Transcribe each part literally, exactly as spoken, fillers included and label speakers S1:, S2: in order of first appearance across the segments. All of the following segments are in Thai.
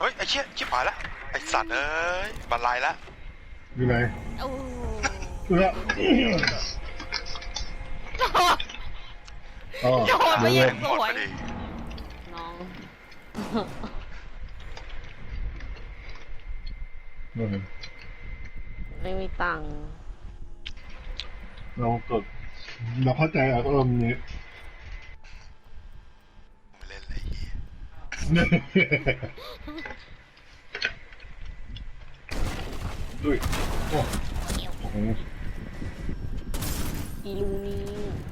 S1: เฮ้ยไอ้เชี่ยชิบหายละไอ้สัตว์เอ้ยบันไลละ
S2: อยู่ไหน
S3: โอ้
S2: เอออ๋อ
S3: โดนไปอ
S1: แม่
S3: ย่าง
S1: ง
S3: ส
S1: หมด
S3: ว
S1: พ
S3: ย
S1: อดี
S4: น้อง ไม่มีตังค์
S2: เรากดเราเข้าใจอารมณ์นี้
S1: ไม่เล่นเลยเฮีย
S2: ดุยโอ้โห
S4: อีลูนี่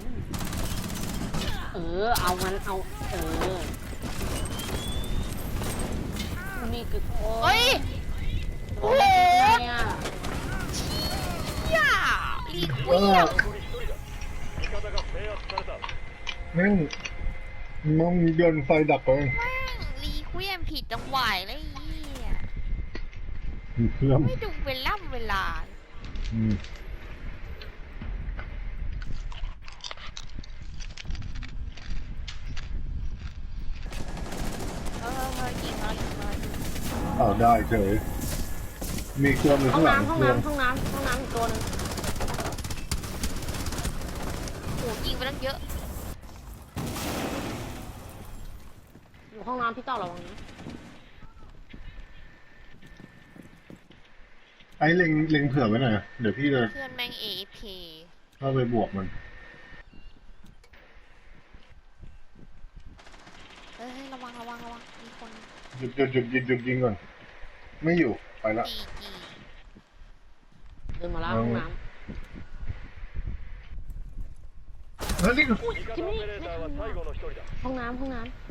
S4: เออเอามันเอาเออนี่คือโอ้
S3: เฮ้ย
S4: โอ้ยเนี่ย
S3: ย่าลีคุยอ่ะ
S2: แม่งมองโยนไฟดับไป
S3: แม่งลีคุยมผิดจังหวะเลยไอ้เหี้ย
S2: มีเครื่อง
S3: ไม่ดูเวลาเวลา
S2: อืม
S3: เออเออยิงเลยยิงเลย
S2: อ้าวได้เฉยมีเครื่องอยู่
S4: ห้อ
S2: ข้าง งหลัง
S4: น้ำห้อง
S2: เครื่อง
S4: น้ำห้องน้ำห้องน้ำอีกตัวนึง
S3: โหยิงไปตั้งเยอะ
S4: อยู่ห้องน้ำพี่ต่อระวังนะ
S2: ไอ้เล็งเล็งเผื่อไว้หน่อยเดี๋ยวพี่จะ
S3: เพื่อนแม่ง เอ เอฟ เค
S2: เข้าไปบวกมัน
S3: เฮ้ยระวังระวังระวังมีคน
S2: หยุดหยุดหยุดหยุดหยุดยิงก่อนไม่อยู่ไปละ
S3: ตีกี
S4: เดินมาแล้วห้องน้
S2: เฮ้ยนี่
S4: ำที่ไม่ไม่ทันว่ะห้องน้ำห้องน้ำ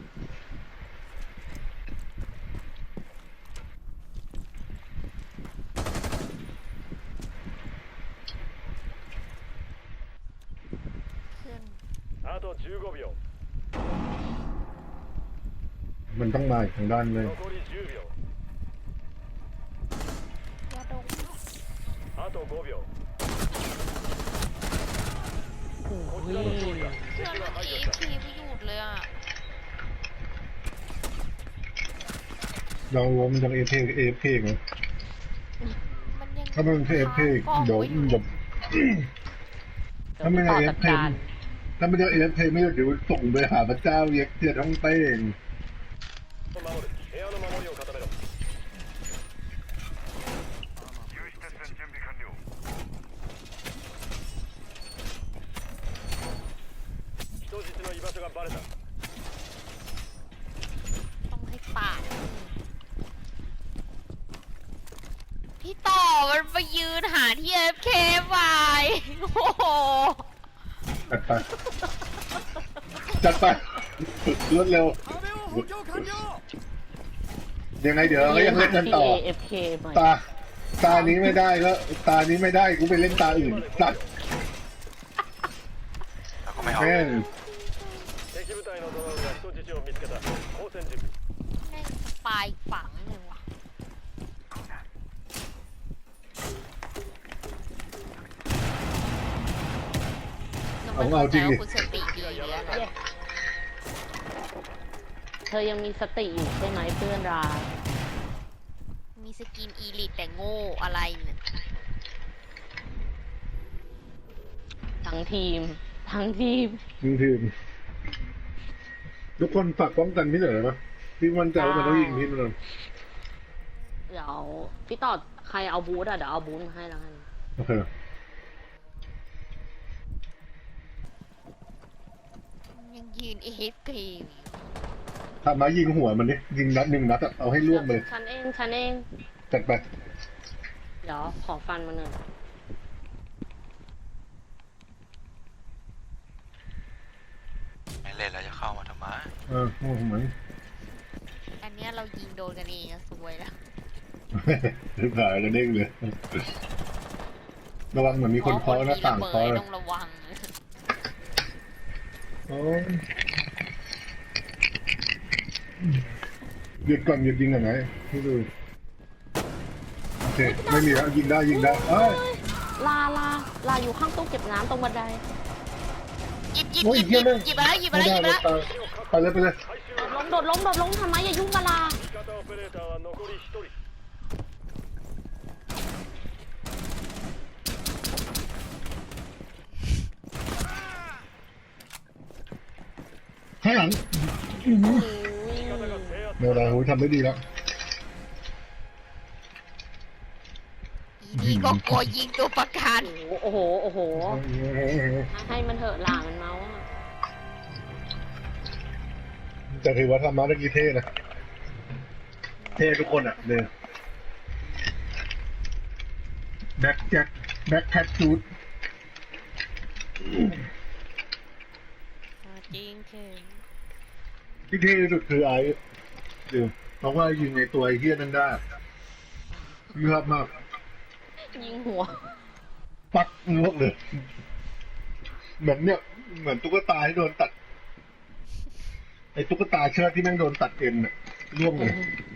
S3: เพื่อน
S5: あとじゅうごびょう
S2: มันต้องมาอีกทางด้านเลย
S5: 残りじゅうびょう
S3: ยาดง
S5: あとごびょう
S4: โอ้
S5: こち
S4: ย
S5: らの勝利だ
S3: เพื่อน
S5: 敵
S3: แม่
S5: は
S3: ง เอ
S5: 排除
S3: เอ
S5: し
S3: ฟ
S5: た
S3: เค ไม่หยุดเลยอ่ะ
S2: เรารวมจากเอฟเพเอฟเพไง
S3: มันยัง
S2: ถ้ามันเป็นเอฟเพ
S3: กล้อง
S2: เดี๋ยว
S3: ไว้อยู่
S2: เดี๋ยว ถ้าไม่
S4: ต่อ
S2: ได้
S4: จัด
S2: เอฟเพ
S4: การ
S2: ถ้าไม่ได้เอฟเพไม่ได้เดี๋ยวส่งไปหาพระเจ้าเย็กเทียท้องเต้ง
S5: 守る部屋の守りを固めろ人質の居場所がバレた
S3: ต้องให้ปากพี่ต่อมันไปยืนหาที่ เอฟ เค ไปโอ้โห
S2: จัดไปจัดไปรวดเร็วยังไงเดี๋ยวเราก็ยังเล่นกันต่อ
S4: เอฟเคใหม่
S2: ตาตานี้ไม่ได้ก็ตานี้ไม่ได้กูไปเล่นตาอื่นตัด
S1: แล้วก็ไม่เอา
S2: แม่ง
S5: 敵部隊のドローンが人質を見つけた交戦準備
S3: แม่งสปายฝังเลยว่ะแล้วมันเข้าใจว่าคุณสติดีหรืออะไร
S4: เธอยังมีสติอยู่ใช่ไหมเพื่อนรัก
S3: มีสกินอีลิตแต่โง่อะไรเนี่ย
S4: ทั้งทีม ทั้งทีม
S2: ทีมทีมทุกคนฝากป้องกันพี่หน่อยนะพี่มั่นใจว่ามันต้องยิงพี่มัน
S4: เดี๋ยวพี่ต่อใครเอาบูธอะเดี๋ยวเอาบูธมาให้แล้วกัน
S2: โอเค
S3: ยังยืน เอ เอฟ เค อยู่
S2: ทำมายิงหัวมันดิยิงนัดหนึ่งนัดอะเอาให้ล่วงเลย
S4: ฉันเองฉันเอง
S2: จัดไป
S4: เดี๋ยวขอฟันมาหน่อย
S1: ไม่เล่นแล้วจะเข้ามาทำไม
S2: เออโอ้โหเหมือน
S3: อันเนี้ยเรายิงโดนกันเองอะสวยแล้ว
S2: ถือขายกันเด้งเลย ระวังเหมือนมีคนเคาะหน้าต่างเคาะเลย
S3: ต้องระวัง
S2: โอ้ยหยุดก่อนหยุดยิงก่อนไหนให้ดูโอเคไม่มีแล้วยิงได้ยิงได้เอ้ย
S4: ลาลาลาอยู่ข้างตู้เก็บน้ำตรงบันได
S3: หยิบหยิบ
S2: โอ้
S3: ห
S2: ย
S3: ยิบห
S2: เหี้
S3: ยิ
S2: ย
S3: บ
S2: แม่ง
S3: หยิบมาแล้วหยิบมา
S2: ไม่
S3: แล้วห
S2: ได้
S3: ยิบมา
S2: ไม่
S3: แล้ว
S2: ตายไปเลยไปเลย
S4: โดดล้มโดดล้มโดดล้มทำไมอย่ายุ่งกับลา
S5: 味方オペレーーターは残りひとり
S2: ข้างหลังอื้อหือ
S5: 味方が制圧
S2: เดี๋ยวเราโหทำได้ดีแล้ว
S3: อีนี่ก็กลัวยิงตัวประกัน
S4: โอ้โห โอ้โห ให้มันเถอะหลามันเมาส์อะ
S2: แต่ถือว่าธรรมะตะกี้เท่นะ เท่ทุกคนอ่ะเนี่ยแบ็คแจ็คแบ็คแคทชูด
S3: จริงคือ
S2: ที่เท่ที่สุดคือไอ้เดี๋ยวเพราะว่ายิงในตัวไอ้เฮี้ยนั่นได้เลือดมาก
S4: ยิงหัว
S2: ปักเงือกเลย เหมือนเนี่ย เหมือนตุ๊กตาที่โดนตัด ไอ้ตุ๊กตาเชือกที่แม่งโดนตัดเอ็นน่ะร่วงเลย
S4: อืม